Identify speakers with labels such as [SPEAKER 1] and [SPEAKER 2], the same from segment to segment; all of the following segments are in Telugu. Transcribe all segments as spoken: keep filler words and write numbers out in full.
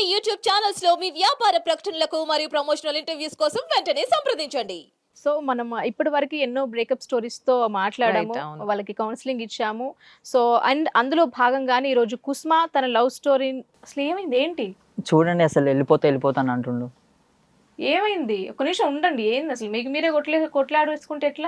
[SPEAKER 1] యూట్యూబ్ ఛానల్స్ లో మీ వ్యాపార ప్రకటనలకు మరియు ప్రమోషనల్ ఇంటర్వ్యూస్ కోసం వెంటనే సంప్రదించండి.
[SPEAKER 2] సో మనం ఇప్పటి వరకు ఎన్నో బ్రేకప్ స్టోరీస్ తో మాట్లాడాము,
[SPEAKER 3] Right, అవును.
[SPEAKER 2] వాళ్ళకి కౌన్సిలింగ్ ఇచ్చాము. సో అండ్ అందులో భాగంగానే ఈ రోజు కుస్మా తన లవ్ స్టోరీ అసలు ఏమైంది ఏంటి
[SPEAKER 4] చూడండి అసలు వెళ్ళిపోతే వెళ్ళిపోతాను అంటుండు.
[SPEAKER 2] ఏమైంది ఒక నిమిషం ఉండండి. ఏంది అసలు మీకు మీరే కొట్లే కొట్లాడు వేసుకుంటే ఎట్లా?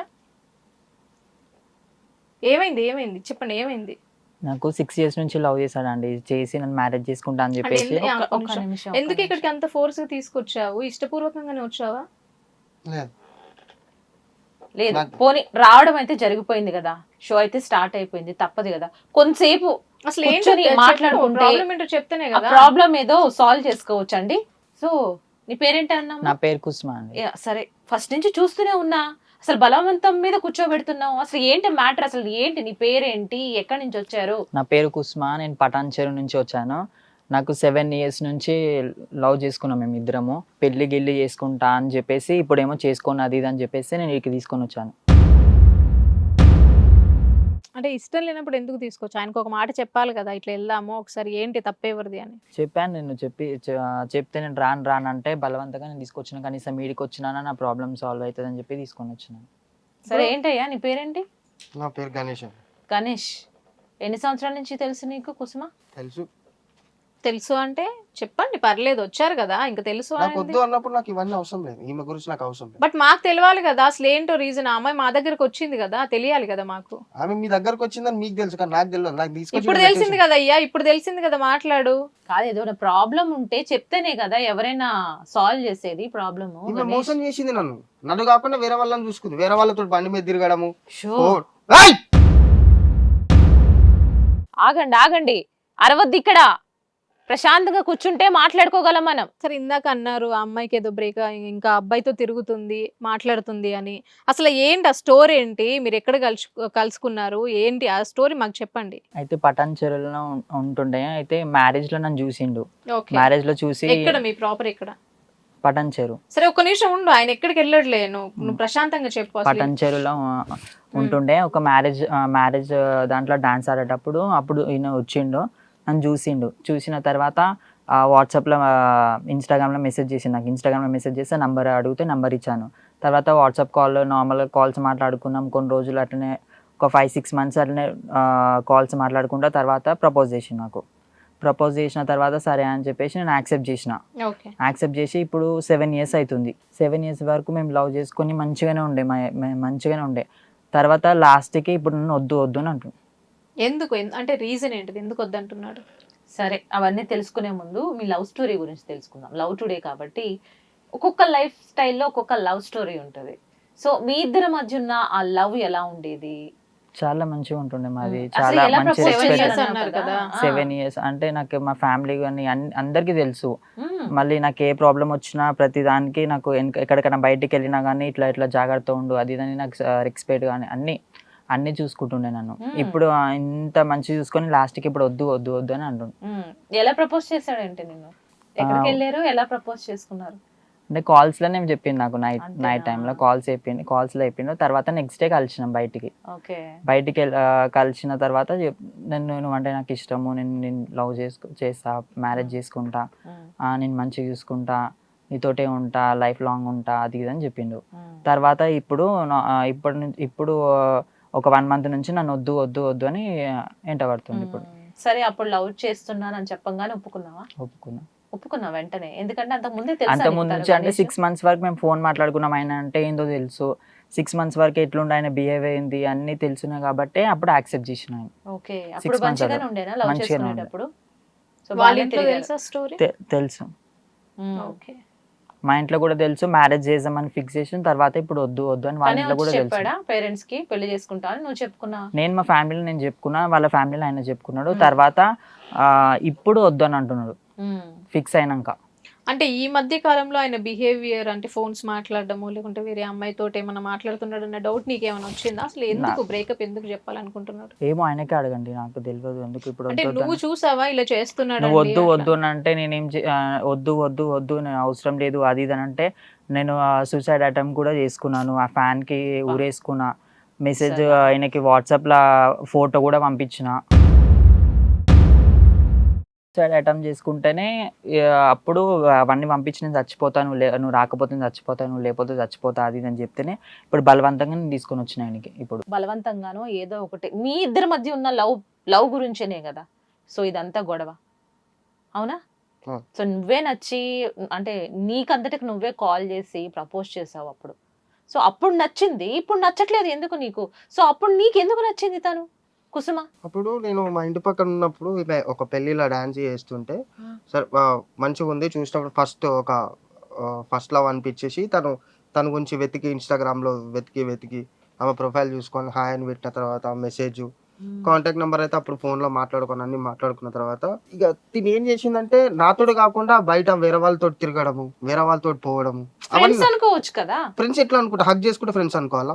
[SPEAKER 2] ఏమైంది ఏమైంది చెప్పండి ఏమైంది?
[SPEAKER 4] నాకు సిక్స్ ఇయర్స్ నుంచి లవ్ చేశాడండి, చేసి నన్ను మ్యారేజ్ చేసుకుంటా అని
[SPEAKER 2] అంటే
[SPEAKER 4] చెప్పేసి
[SPEAKER 2] ఎందు- ఆ,
[SPEAKER 3] ఒక్క-
[SPEAKER 2] ఒక్క
[SPEAKER 3] ఒక్క
[SPEAKER 2] నిమిషం.
[SPEAKER 3] నిమిషం, ఒక్క
[SPEAKER 2] ఎందుకు
[SPEAKER 3] నిమిషం.
[SPEAKER 2] ఇక్కడికి అంత ఫోర్స్ గా తీసుకొచ్చావు? ఇష్టపూర్వకంగానే వచ్చావా?
[SPEAKER 5] లేదు
[SPEAKER 3] లేదు
[SPEAKER 5] నాకు-
[SPEAKER 3] పోనీ రావడం అయితే జరిగిపోయింది కదా, షో అయితే స్టార్ట్ అయిపోయింది, తప్పదు కదా కొంతసేపు
[SPEAKER 2] అసలు
[SPEAKER 3] కూర్చొని మాట్లాడుకుంటే
[SPEAKER 2] ప్రాబ్లం ఏంటో చెప్తేనే
[SPEAKER 3] ఆ
[SPEAKER 2] కదా.
[SPEAKER 3] ప్రాబ్లం ఏదో సాల్వ్ చేసుకోవచ్చు అండి. సో నీ పేరేంటి అన్నా?
[SPEAKER 4] నా పేరు కుస్మా అండి.
[SPEAKER 3] సరే, ఫస్ట్ నుంచి చూస్తూనే ఉన్నా, అసలు బలవంతం మీద కూర్చోబెడుతున్నావు. అసలు ఏంటి మ్యాటర్? అసలు ఏంటి నీ పేరేంటి, ఎక్కడి నుంచి వచ్చారు?
[SPEAKER 4] నా పేరు కుస్మా, నేను పటాన్ చెరు నుంచి వచ్చాను. నాకు సెవెన్ ఇయర్స్ నుంచి లవ్ చేసుకున్నాం మేము ఇద్దరము. పెళ్లి గిల్లి చేసుకుంటా అని చెప్పేసి ఇప్పుడేమో చేసుకోను అది ఇది అని చెప్పేసి నేను ఇక్కడికి తీసుకొని వచ్చాను.
[SPEAKER 2] అంటే ఇష్టం లేనప్పుడు ఎందుకు తీసుకోవచ్చు? ఆయనకు ఒక మాట చెప్పాలి కదా, ఇట్లా వెళ్దాము ఒకసారి, ఏంటి తప్పేవరిది అని.
[SPEAKER 4] చెప్పాను నేను, చెప్పి చె- చెప్తే నేను రాను రాను అంటే బలవంతంగా నేను తీసుకొచ్చిన. కనీసం మీడికి వచ్చినా నా ప్రాబ్లమ్ సాల్వ్ అవుతుంది అని చెప్పి తీసుకొని వచ్చినాను.
[SPEAKER 3] సరే ఏంటయ్యా నీ పేరేంటి?
[SPEAKER 5] నా పేరు గణేష్ అండి.
[SPEAKER 3] గణేష్. ఎన్ని సంవత్సరాల నుంచి తెలుసు నీకు కుసుమ?
[SPEAKER 5] తెలుసు.
[SPEAKER 2] తెలుసు అంటే చెప్పండి, పర్లేదు, వచ్చారు కదా ఇంకా తెలుసు
[SPEAKER 5] నాకు
[SPEAKER 2] అనేది.
[SPEAKER 5] వద్దు అన్నప్పుడు నాకు ఇవన్నీ అవసరం లేదు, ఈమె గురించి నాకు అవసరం లేదు.
[SPEAKER 2] బట్ మాకు తెలియాలి కదా అసలు ఏంటో రీజన్. ఆ అమ్మాయి మా దగ్గరకు వచ్చింది కదా, తెలియాలి కదా మాకు.
[SPEAKER 5] ఆమె మీ దగ్గరకు వచ్చిందని మీకు తెలుసు కానీ నాకు తెలియదు. నాకు తీసుకొచ్చి
[SPEAKER 2] ఇప్పుడు తెలిసింది కదా అయ్యా, ఇప్పుడు తెలిసింది కదా, మాట్లాడు.
[SPEAKER 3] కాదు, ఏదో ప్రాబ్లం ఉంటే చెప్తేనే కదా ఎవరైనా సాల్వ్ చేసేది ప్రాబ్లమ్.
[SPEAKER 5] ఈమె మోసం చేసింది నన్ను. నన్ను కాకుండా వేరే వాళ్ళని చూసుకుంది, వేరే వాళ్ళతో బండి మీద తిరగడము. ఓ, ఏయ్!
[SPEAKER 3] ఆగండి ఆగండి, అరవద్దు ఇక్కడ. ప్రశాంతంగా కూర్చుంటే మాట్లాడుకోగలం మనం.
[SPEAKER 2] సరే ఇందాక అన్నారు ఆ అమ్మాయికి ఏదో బ్రేక్, ఇంకా అబ్బాయితో తిరుగుతుంది మాట్లాడుతుంది అని. అసలు ఏంటి ఆ స్టోరీ ఏంటి? మీరు ఎక్కడ కలుసు కలుసుకున్నారు ఏంటి ఆ స్టోరీ మాకు చెప్పండి.
[SPEAKER 4] అయితే పటాన్ చెరువులో ఉం- ఉంటుండే. అయితే మ్యారేజ్ లో నన్ను చూసిండు.
[SPEAKER 2] ఓకే,
[SPEAKER 4] మ్యారేజ్ లో చూసి
[SPEAKER 2] ఎక్కడ మీ ప్రాపర్ ఎక్కడ?
[SPEAKER 4] పటాన్ చెరు
[SPEAKER 2] సరే ఒక్క నిమిషం ఉండు, ఆయన ఎక్కడికి వెళ్ళట్లే, నువ్వు నువ్వు ప్రశాంతంగా చెప్పు అసలు.
[SPEAKER 4] పటాన్ చెరువులో ఆ, ఉంటుండే. ఒక మ్యారేజ్ మ్యారేజ్ దాంట్లో డాన్స్ ఆడేటప్పుడు అప్పుడు ఈయన వచ్చిండు, నన్ను చూసిండు. చూసిన తర్వాత వాట్సాప్లో ఇన్స్టాగ్రామ్లో మెసేజ్ చేసిండు. నాకు ఇన్స్టాగ్రామ్లో మెసేజ్ చేస్తే నంబర్ అడిగితే నంబర్ ఇచ్చాను. తర్వాత వాట్సాప్ కాల్ నార్మల్గా కాల్స్ మాట్లాడుకున్నాం కొన్ని రోజులు. అట్లనే ఒక ఫైవ్ సిక్స్ మంత్స్ అట్లనే కాల్స్ మాట్లాడుకుంటా. తర్వాత ప్రపోజ్ చేసిండు నాకు. ప్రపోజ్ చేసిన తర్వాత సరే అని చెప్పేసి నేను యాక్సెప్ట్ చేసిన.
[SPEAKER 2] ఓకే,
[SPEAKER 4] యాక్సెప్ట్ చేసి ఇప్పుడు సెవెన్ ఇయర్స్ అవుతుంది. సెవెన్ ఇయర్స్ వరకు మేము లవ్ చేసుకొని మంచిగానే ఉండే, మ- మ- మంచిగానే ఉండే. తర్వాత లాస్ట్కి ఇప్పుడు నన్ను వద్దు వద్దు అని అంటు.
[SPEAKER 2] ఎందుకు ఎన్- అంటే రీజన్ ఏంటిది, ఎందుకు వద్దంటున్నాడు?
[SPEAKER 3] సరే, అవన్నీ తెలుసుకునే ముందు మీ లవ్ స్టోరీ గురించి తెలుసుకుందాం. లవ్ టుడే కాబట్టి ఒక్కొక్క లైఫ్ స్టైల్లో ఒక్కొక్క లవ్ స్టోరీ ఉంటుంది. సో మీ ఇద్దరి మధ్య ఉన్న ఆ లవ్ ఎలా ఉండేది?
[SPEAKER 4] చాలా మంచిగా ఉంటుండే మాది.
[SPEAKER 3] అసలు
[SPEAKER 4] చాలా
[SPEAKER 3] ఎలా
[SPEAKER 4] మంచి
[SPEAKER 3] propose
[SPEAKER 2] Seven years
[SPEAKER 3] చేశారు
[SPEAKER 2] అన్నారు కదా.
[SPEAKER 3] ఆ.
[SPEAKER 4] సెవెన్ ఇయర్స్ అంటే నాకు మా ఫ్యామిలీ కానీ అన్- అందరికీ తెలుసు.
[SPEAKER 3] మ్మ్.
[SPEAKER 4] మళ్ళీ నాకు ఏ ప్రాబ్లం వచ్చినా ప్రతి దానికి నాకు ఎనక- ఎక్కడికైనా బయటికి వెళ్ళినా కానీ ఇట్లా ఇట్లా జాగ్రత్త ఉండు అది ఇది అని నాకు రెస్పెక్ట్ కానీ అన్ని అన్ని చూసుకుంటుండే నన్ను.
[SPEAKER 3] మ్మ్.
[SPEAKER 4] ఇప్పుడు ఆ ఇంత మంచి చూసుకొని లాస్ట్కి ఇప్పుడు వద్దు వద్దు వద్దు అని అంటుండు.
[SPEAKER 3] మ్మ్. ఎలా ప్రపోజ్ చేశాడంటే నిన్ను? ఎక్కడికి వెళ్ళారు, ఎలా ప్రపోజ్ చేసుకున్నారు?
[SPEAKER 4] అంటే కాల్స్ లోనే చెప్పింది నాకు. నైట్
[SPEAKER 3] అంతేనా?
[SPEAKER 4] నైట్ టైంలో కాల్స్ చెప్పింది, కాల్స్ లో చెప్పిండు. తర్వాత నెక్స్ట్ డే కలిసినాం బయటికి.
[SPEAKER 3] ఓకే.
[SPEAKER 4] బయటికి వెళ్ళ- ఆ, కలిసిన తర్వాత చెప్- నేను నువ్వంటే నాకు ఇష్టము, నేను నేను లవ్ చేసుకు చేస్తా, మ్యారేజ్ చేసుకుంటా,
[SPEAKER 3] మ్మ్.
[SPEAKER 4] ఆ, నేను మంచిగా చూసుకుంటా, నీతోటే ఉంటా, లైఫ్ లాంగ్ ఉంటా అది ఇది అని చెప్పిండు.
[SPEAKER 3] మ్మ్.
[SPEAKER 4] తర్వాత ఇప్పుడు నా- ఆ, ఇప్పుడు నుంచి ఇప్పుడు ఆ, ఒక వన్ మంత్ నుంచి నన్ను వద్దు వద్దు వద్దు అని ఎంట పడుతుంది. ఇప్పుడు
[SPEAKER 3] మ్మ్. సరే, అప్పుడు లవ్ చేస్తున్నానని చెప్పంగానే ఒప్పుకున్నావా?
[SPEAKER 4] ఒప్పుకున్నా.
[SPEAKER 3] ఒప్పుకున్నా వెంటనే, ఎందుకంటే అంతకు ముందే తెలుసా
[SPEAKER 4] అంత
[SPEAKER 3] నీకు
[SPEAKER 4] ముందు
[SPEAKER 3] తన
[SPEAKER 4] నుంచి అంటే
[SPEAKER 3] గణేష్?
[SPEAKER 4] సిక్స్ మంత్స్ వరకు మేము ఫోన్ మాట్లాడుకున్నాం. ఆయన అంటే ఏందో తెలుసు, సిక్స్ మంత్స్ వరకు ఎట్లుండే ఆయన బిహేవ్ అయింది అన్ని తెలుసున్నాయి కాబట్టి అప్పుడు యాక్సెప్ట్ చేసిన ఆయన.
[SPEAKER 3] ఓకే. అప్పుడు
[SPEAKER 4] months
[SPEAKER 3] మంచిగానే
[SPEAKER 4] అలా.
[SPEAKER 3] ఉండేనా లవ్
[SPEAKER 4] మంచిగానే ఉండే.
[SPEAKER 3] చేసుకునేటప్పుడు? సో
[SPEAKER 2] వాళ్ళ
[SPEAKER 3] బాగానే
[SPEAKER 2] ఇంట్లో
[SPEAKER 3] తిరిగారు.
[SPEAKER 2] తెలుసా స్టోరీ?
[SPEAKER 4] తె- తెలుసు,
[SPEAKER 3] మ్మ్.
[SPEAKER 2] ఓకే,
[SPEAKER 4] మా ఇంట్లో కూడా తెలుసు. మ్యారేజ్ చేద్దామని ఫిక్స్ చేసిన తర్వాత ఇప్పుడు వద్దు వద్దు అని వాళ్ళ
[SPEAKER 3] తనే
[SPEAKER 4] ఇంట్లో
[SPEAKER 3] వచ్చి
[SPEAKER 4] కూడా తెలుసు.
[SPEAKER 3] చెప్పాడా పేరెంట్స్ కి పెళ్లి చేసుకుంటా అని? నువ్వు చెప్పుకున్నా?
[SPEAKER 4] నేను మా ఫ్యామిలీలో నేను చెప్పుకున్నా, వాళ్ళ ఫ్యామిలీలో ఆయన చెప్పుకున్నాడు.
[SPEAKER 3] మ్మ్.
[SPEAKER 4] తర్వాత ఆ, ఇప్పుడు వద్దు అని అంటున్నాడు
[SPEAKER 3] మ్మ్.
[SPEAKER 4] ఫిక్స్ అయినాక.
[SPEAKER 2] అంటే ఈ మధ్య కాలంలో ఆయన బిహేవియర్ అంటే ఫోన్స్ మాట్లాడడము లేకుంటే వేరే అమ్మాయితో ఏమైనా మాట్లాడుతున్నాడు అన్న డౌట్ నీకేమైనా వచ్చిందా? అసలు ఎందుకు బ్రేకప్ ఎందుకు చెప్పాలనుకుంటున్నాడు?
[SPEAKER 4] ఏమో ఆయనకే అడగండి, నాకు తెలియదు ఎందుకు ఇప్పుడు
[SPEAKER 2] అంటే
[SPEAKER 4] వద్దు వద్దు
[SPEAKER 2] నువ్వు
[SPEAKER 4] అని.
[SPEAKER 2] చూసావా ఇలా చేస్తున్నాడు?
[SPEAKER 4] నువ్వు వద్దు వద్దు అని అంటే నేనేం చే- ఆ, వద్దు వద్దు వద్దు నేను అవసరం లేదు అది ఇది అని అంటే నేను సూసైడ్ అటెంప్ట్ కూడా చేసుకున్నాను. ఆ ఫ్యాన్ కి ఊరేసుకున్నా. మెసేజ్
[SPEAKER 3] సరే.
[SPEAKER 4] ఆయనకి వాట్సాప్ లా ఫోటో కూడా పంపించిన. సూసైడ్ అటెంప్ట్ చేసుకుంటేనే ఇక అప్పుడు అవన్నీ పంపించి నేను చచ్చిపోతాను లే నువ్వు రాకపోతే నేను చచ్చిపోతాను నువ్వు లేకపోతే చచ్చిపోతా అది ఇది అని చెప్తేనే ఇప్పుడు బలవంతంగా నేను తీసుకొని వచ్చిన ఆయనకి ఇప్పుడు
[SPEAKER 3] బలవంతంగానో ఏదో ఒకటి మీ ఇద్దరి మధ్య ఉన్న లవ్ లవ్ గురించేనే కదా సో ఇదంతా గొడవ అవునా
[SPEAKER 5] ఆ.
[SPEAKER 3] సో నువ్వే నచ్చి అంటే నీకంతటికి నువ్వే కాల్ చేసి ప్రపోజ్ చేసావు అప్పుడు సో అప్పుడు నచ్చింది ఇప్పుడు నచ్చట్లేదు ఎందుకు నీకు సో అప్పుడు నీకు ఎందుకు నచ్చింది తను కుసుమ
[SPEAKER 5] అప్పుడు నేను మా ఇంటి పక్కన ఉన్నప్పుడు ఈమె ఒక పెళ్లిలో డాన్స్ చేస్తుంటే సరే ఆ, మంచిగా ఉంది చూసినప్పుడు ఫస్ట్ ఒక ఫస్ట్ లవ్ అనిపించేసి తను తన గురించి వెతికి ఇన్స్టాగ్రామ్ లో వెతికి వెతికి ఆమె ప్రొఫైల్ చూసుకొని హాయ్ అని పెట్టిన తర్వాత మెసేజ్ కాంటాక్ట్ నెంబర్ అయితే అప్పుడు ఫోన్ లో మాట్లాడుకొని అన్ని మాట్లాడుకున్న తర్వాత ఇక తిని ఏం చేసిందంటే నాతోటి కాకుండా బయట వేరే వాళ్ళతో తిరగడము వేరే వాళ్ళతో పోవడము
[SPEAKER 3] ఫ్రెండ్స్
[SPEAKER 5] అవన్నీ
[SPEAKER 3] అనుకోవచ్చు కదా
[SPEAKER 5] ఫ్రెండ్స్ ఎట్లా అనుకుంటా హక్ చేసుకుంటే ఫ్రెండ్స్ అనుకోవాలా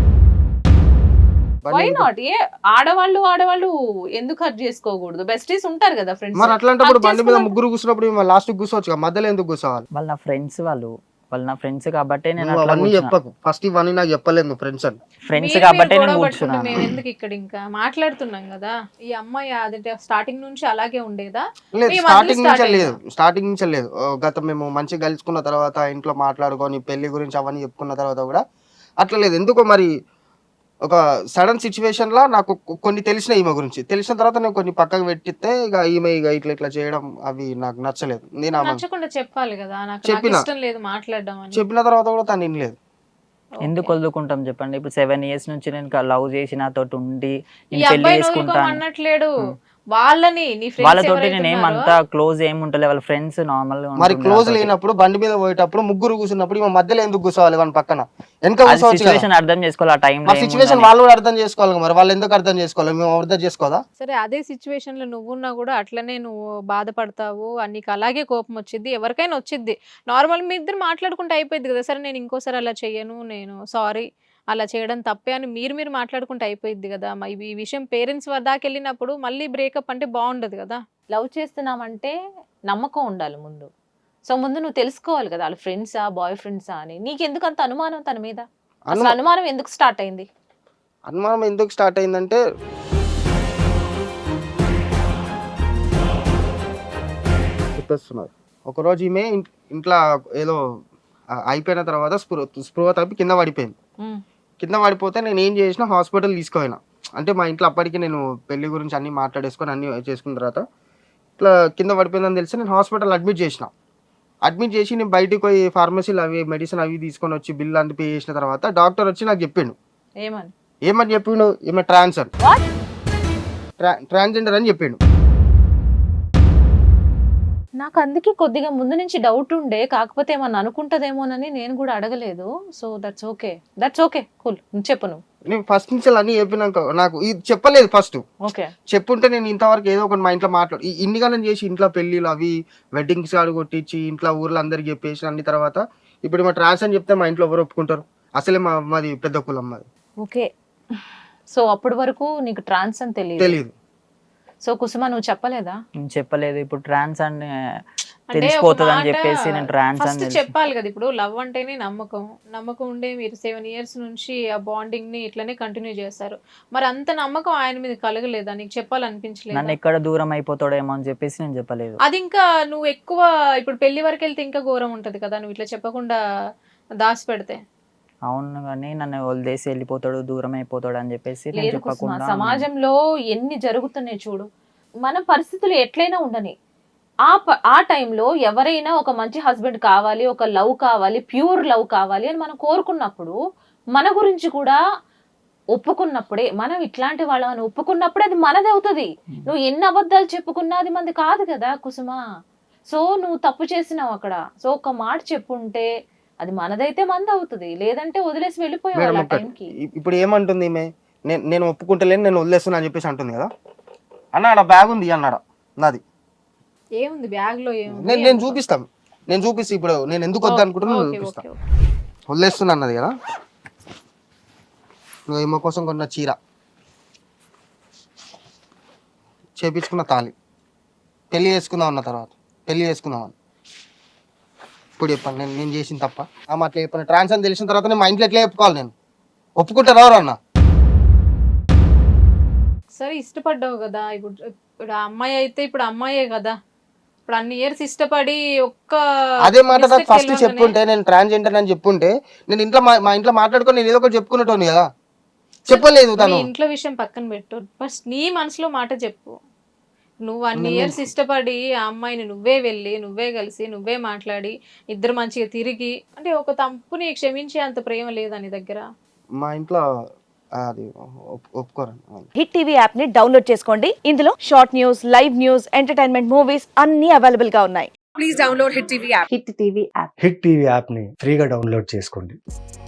[SPEAKER 3] వై నాట్ ఏ ఆడవాళ్ళు ఆడవాళ్ళు ఎందుకు హర్ట్ చేసుకోకూడదు బెస్టీస్ ఉంటారు కదా ఫ్రెండ్స్
[SPEAKER 5] మరి అట్లాంటప్పుడు
[SPEAKER 3] hug
[SPEAKER 5] బండి మీద
[SPEAKER 3] చేసుకున్నప్పుడు-
[SPEAKER 5] ముగ్గురు కూర్చున్నప్పుడు లాస్ట్ కూర్చోవచ్చు కదా, మధ్యలో ఎందుకు కూర్చోవాలి
[SPEAKER 4] వాళ్ళు నా ఫ్రెండ్స్ వాళ్ళు వాళ్ళు నా ఫ్రెండ్స్ కాబట్టి నేను
[SPEAKER 5] నువ్వు
[SPEAKER 4] అట్లా
[SPEAKER 5] అవన్నీ
[SPEAKER 4] కూర్చున్నా
[SPEAKER 5] చెప్పకు ఫస్ట్ ఇవన్నీ నాకు చెప్పలేదు ఫ్రెండ్స్ అని
[SPEAKER 4] ఫ్రెండ్స్
[SPEAKER 2] మీరు
[SPEAKER 4] కాబట్టి
[SPEAKER 2] మీరు
[SPEAKER 4] నేను
[SPEAKER 2] గొడవ పట్టుకుంటే
[SPEAKER 4] కూర్చున్నాను
[SPEAKER 2] మేము ఎందుకు ఇక్కడ ఇంకా మాట్లాడుతున్నాం కదా ఈ అమ్మాయి అదంటే స్టార్టింగ్ నుంచి అలాగే ఉండేదా
[SPEAKER 5] లేదు
[SPEAKER 2] మీ మధ్యలో
[SPEAKER 5] స్టార్టింగ్
[SPEAKER 2] start
[SPEAKER 5] నుంచే
[SPEAKER 2] అయిందా?
[SPEAKER 5] లేదు స్టార్టింగ్ నుంచే లేదు ఓ, గత మేము మంచిగా కలుసుకున్న తర్వాత ఇంట్లో మాట్లాడుకొని పెళ్లి గురించి అవన్నీ చెప్పుకున్న తర్వాత కూడా అట్లా లేదు ఎందుకో మరి ఒక సడన్ సిచ్యువేషన్ లా నాకు కొ- కొన్ని తెలిసిన ఈమె గురించి తెలిసిన తర్వాత నేను కొన్ని పక్కకు పెట్టితే ఇక ఈమె ఇక ఇట్లా ఇట్లా చేయడం అవి నాకు నచ్చలేదు నేను ఆమె
[SPEAKER 2] నచ్చకుండా చెప్పాలి కదా నాకు నాకు
[SPEAKER 5] చెప్పినా.
[SPEAKER 2] ఇష్టం లేదు మాట్లాడడం అని
[SPEAKER 5] చెప్పిన తర్వాత కూడా తను వినలేదు
[SPEAKER 4] ఎందుకు వదులుకుంటాం చెప్పండి ఇప్పుడు సెవెన్ ఇయర్స్ నుంచి నేను లవ్ చేసి నాతో ఉండి
[SPEAKER 2] ఈ
[SPEAKER 4] నేను పెళ్లి
[SPEAKER 2] అబ్బాయి
[SPEAKER 4] చేసుకుంటాను
[SPEAKER 2] అనట్లేడు వాళ్ళని నీ ఫ్రెండ్స్
[SPEAKER 4] వాళ్ళతోటి నేను ఏమంత క్లోజ్ ఏమి ఉంటలే వాళ్ళ ఫ్రెండ్స్ నార్మల్
[SPEAKER 5] మరి క్లోజ్ లేనప్పుడు బండి మీద పోయేటప్పుడు ముగ్గురు కూర్చున్నప్పుడు ఈమె మధ్యలో ఎందుకు కూర్చోవాలి వాళ్ళ పక్కన వెనక కూర్చోవచ్చు కదా.
[SPEAKER 4] సిచువేషన్ అర్థం చేసుకోవాలి ఆ టైం
[SPEAKER 5] మరి సిచ్యువేషన్ వాళ్ళు కూడా అర్థం చేసుకోవాలి కదా, మరి వాళ్ళు ఎందుకు అర్థం చేసుకోవాలి మేము అర్థం చేసుకోదా
[SPEAKER 2] సరే అదే సిచ్యువేషన్ లో నువ్వున్నా కూడా అట్లనే నువ్వు బాధపడతావు ఆ నీకు అలాగే కోపం వచ్చింది ఎవరికైనా వచ్చింది నార్మల్ మీ ఇద్దరు మాట్లాడుకుంటే అయిపోయింది కదా సరే నేను ఇంకోసారి అలా చెయ్యను నేను సారీ అలా చేయడం తప్పే అని మీరు మీరు మాట్లాడుకుంటే అయిపోయింది కదా మరి ఈ విషయం పేరెంట్స్ దాకా వెళ్ళినప్పుడు మళ్ళీ బ్రేకప్ అంటే బాగుండదు కదా
[SPEAKER 3] లవ్ చేస్తున్నామంటే నమ్మకం ఉండాలి ముందు సో ముందు నువ్వు తెలుసుకోవాలి కదా వాళ్ళ ఫ్రెండ్సా బాయ్ ఫ్రెండ్సా అని నీకు ఎందుకు అంత అనుమానం తన మీద అసలు అనుమానం ఎందుకు స్టార్ట్ అయింది
[SPEAKER 5] అనుమానం ఎందుకు స్టార్ట్ అయిందంటే చెప్పేస్తున్నారు ఒకరోజు ఈమె ఇన్- ఇంట్లో ఏదో ఆ, అయిపోయిన తర్వాత స్పృహ స్పృహ తప్పి కింద పడిపోయింది
[SPEAKER 3] ఉమ్.
[SPEAKER 5] కింద పడిపోతే నేను ఏం చేసిన హాస్పిటల్ తీసుకుపోయినా అంటే మా ఇంట్లో అప్పటికి నేను పెళ్లి గురించి అన్ని మాట్లాడేసుకొని అన్ని చేసుకున్న తర్వాత ఇట్లా కింద పడిపోయిందని తెలిసి నేను హాస్పిటల్ అడ్మిట్ చేసిన అడ్మిట్ చేసి నేను బయటికి పోయి ఫార్మసీలు అవి మెడిసిన్ అవి తీసుకొని వచ్చి బిల్ అంతా పే చేసిన తర్వాత డాక్టర్ వచ్చి నాకు చెప్పిండు
[SPEAKER 3] ఏమని
[SPEAKER 5] ఏమని చెప్పిండు ఈమె ట్రాన్స్ అని
[SPEAKER 3] What?
[SPEAKER 5] ట్రా ట్రాన్స్జెండర్ అని చెప్పిండు
[SPEAKER 3] నాకు అందుకే కొద్దిగా ముందు నుంచి డౌట్ ఉండే కాకపోతే ఏమన్నా అనుకుంటదేమోనని నేను కూడా అడగలేదు so that's okay that's okay cool చెప్పు నువ్వు
[SPEAKER 5] నేను ఫస్ట్ నుంచి అన్ని చెప్పినాక నాకు ఇది చెప్పలేదు ఫస్ట్
[SPEAKER 3] ఓకే
[SPEAKER 5] చెప్పుంటే నేను ఇంతవరకు ఏదో ఒకటి మా ఇంట్లో మాట్లాడు ఈ ఇన్ని కాలం చేసి ఇంట్లో పెళ్ళిళ్ళు అవి వెడ్డింగ్స్ కాడు కొట్టించి ఇంట్లో ఊర్లో అందరికి చెప్పేసి అన్ని తర్వాత ఇప్పుడు మా ట్రాన్స్ అని చెప్తే మా ఇంట్లో ఎవరు ఒప్పుకుంటారు అసలే మా మాది పెద్ద కులం మాది
[SPEAKER 3] ఓకే సో అప్పటి వరకు నీకు ట్రాన్స్ అని తెలియదు
[SPEAKER 5] తెలియదు
[SPEAKER 3] సో కుసుమ నువ్వు చెప్పలేదా
[SPEAKER 4] నేను చెప్పలేదు ఇప్పుడు ట్రాన్స్ అని
[SPEAKER 2] అంటే
[SPEAKER 4] తెలిసిపోతుంది
[SPEAKER 2] ఒక
[SPEAKER 4] అని చెప్పేసి నేను ట్రాన్స్
[SPEAKER 2] ఫస్ట్
[SPEAKER 4] అని తెలిసి-
[SPEAKER 2] చెప్పాలి కదా ఇప్పుడు లవ్ అంటేనే నమ్మకం నమ్మకం ఉండే మీరు సెవెన్ ఇయర్స్ నుంచి ఆ బాండింగ్ ని ఇట్లనే కంటిన్యూ చేస్తారు మరి అంత నమ్మకం ఆయన మీద కలగలేదా నీకు
[SPEAKER 4] నన్ను
[SPEAKER 2] చెప్పాలనిపించలేదు
[SPEAKER 4] ఎక్కడ దూరం అయిపోతాడేమో అని చెప్పేసి నేను చెప్పలేదు
[SPEAKER 2] అది ఇంకా నువ్వు ఎక్కువ ఇప్పుడు పెళ్లి వరకు వెళ్తే ఇంకా ఘోరం ఉంటది కదా నువ్వు ఇట్లా చెప్పకుండా దాచి పెడితే
[SPEAKER 4] అవును కానీ నన్ను వదిలేసి వెళ్ళిపోతాడు దూరం అయిపోతాడు అని చెప్పేసి నేను
[SPEAKER 3] లేదు కుసుమ
[SPEAKER 4] చెప్పకుండా ఉన్నాను.
[SPEAKER 3] సమాజంలో ఎన్ని జరుగుతున్నాయి చూడు మన పరిస్థితులు ఎట్లయినా ఉండని ఆ ప- ఆ టైంలో ఎవరైనా ఒక మంచి హస్బెండ్ కావాలి ఒక లవ్ కావాలి ప్యూర్ లవ్ కావాలి అని మనం కోరుకున్నప్పుడు మన గురించి కూడా ఒప్పుకున్నప్పుడే మనం ఇట్లాంటి వాళ్ళని ఒప్పుకున్నప్పుడే అది మనది అవుతుంది నువ్వు ఎన్ని అబద్ధాలు చెప్పుకున్నా అది మంది కాదు కదా కుసుమ సో నువ్వు తప్పు చేసినావు అక్కడ సో ఒక మాట చెప్పుంటే అది మనదైతే మంది అవుతుంది లేదంటే వదిలేసి వెళ్ళిపోయావు
[SPEAKER 5] మేడం
[SPEAKER 3] ఆ
[SPEAKER 5] ఒక్కటి
[SPEAKER 3] టైంకి
[SPEAKER 5] ఇ- ఇప్పుడు ఏమంటుంది ఈమె నేను నేను ఒప్పుకుంటలేను నేను వదిలేస్తున్నా అని చెప్పేసి అంటుంది కదా అన్న ఆడ బ్యాగ్ ఉంది అన్నాడు నాది
[SPEAKER 2] ఏముంది బ్యాగ్ లో ఏముంది
[SPEAKER 5] నేను నేను చూపిస్తాను నేను చూపిస్తా ఇప్పుడు నేను ఎందుకు వద్దు అనుకుంటున్నా
[SPEAKER 2] ఓకే,
[SPEAKER 5] చూపిస్తా
[SPEAKER 2] ఓకే, ఓకే.
[SPEAKER 5] వదిలేస్తున్నా అన్నది కదా నువ్వు ఏమో కోసం కొన్న చీర చేపించుకున్న తాళి పెళ్లి చేసుకుందాం అన్న తర్వాత పెళ్లి చేసుకుందాం అని ఇప్పుడు చెప్పాను నేను నేను చేసిన తప్ప ఆమె అట్లా చెప్పాను ట్రాన్స్ అని తెలిసిన తర్వాత నేను మా ఇంట్లో ఎట్లా చెప్పుకోవాలి నేను ఒప్పుకుంటారు ఎవరు అన్న
[SPEAKER 2] సరే ఇష్టపడ్డావు కదా ఇప్పుడు ఇప్పుడు ఆ అమ్మాయి అయితే ఇప్పుడు అమ్మాయే కదా ఇప్పుడు అన్ని ఇయర్స్ ఇష్టపడి ఒక్క
[SPEAKER 5] అదే మాట నాకు
[SPEAKER 2] mistake
[SPEAKER 5] ఫస్ట్
[SPEAKER 2] తెలియగానే-
[SPEAKER 5] చెప్పుంటే, నేను ట్రాన్స్జెండర్ అని చెప్పుంటే, నేను ఇంట్లో మా మా ఇంట్లో మాట్లాడుకొని నేను ఏదో ఒకటి చెప్పుకునేటోని కదా, చెప్పలేదు
[SPEAKER 2] నీ
[SPEAKER 5] తను.
[SPEAKER 2] ఇంట్లో విషయం పక్కన పెట్టు, ఫస్ట్ నీ మనసులో మాట చెప్పు. నువ్వు అన్ని
[SPEAKER 5] నేను-
[SPEAKER 2] ఇయర్స్ ఇష్టపడి ఆ అమ్మాయిని నువ్వే వెళ్ళి నువ్వే కలిసి నువ్వే మాట్లాడి ఇద్దరు మంచిగా తిరిగి, అంటే ఒక తప్పుని క్షమించే అంత ప్రేమ లేదా నీ దగ్గర?
[SPEAKER 5] మా ఇంట్లో అది ఒప్- ఒప్పుకోరండి.
[SPEAKER 6] హిట్ టీవీ యాప్ ని డౌన్లోడ్ చేసుకోండి. ఇందులో short news, live news, entertainment movies అన్ని అవైలబుల్ గా ఉన్నాయి.
[SPEAKER 7] హిట్ టీవీ యాప్ని ఫ్రీగా డౌన్లోడ్ చేసుకోండి.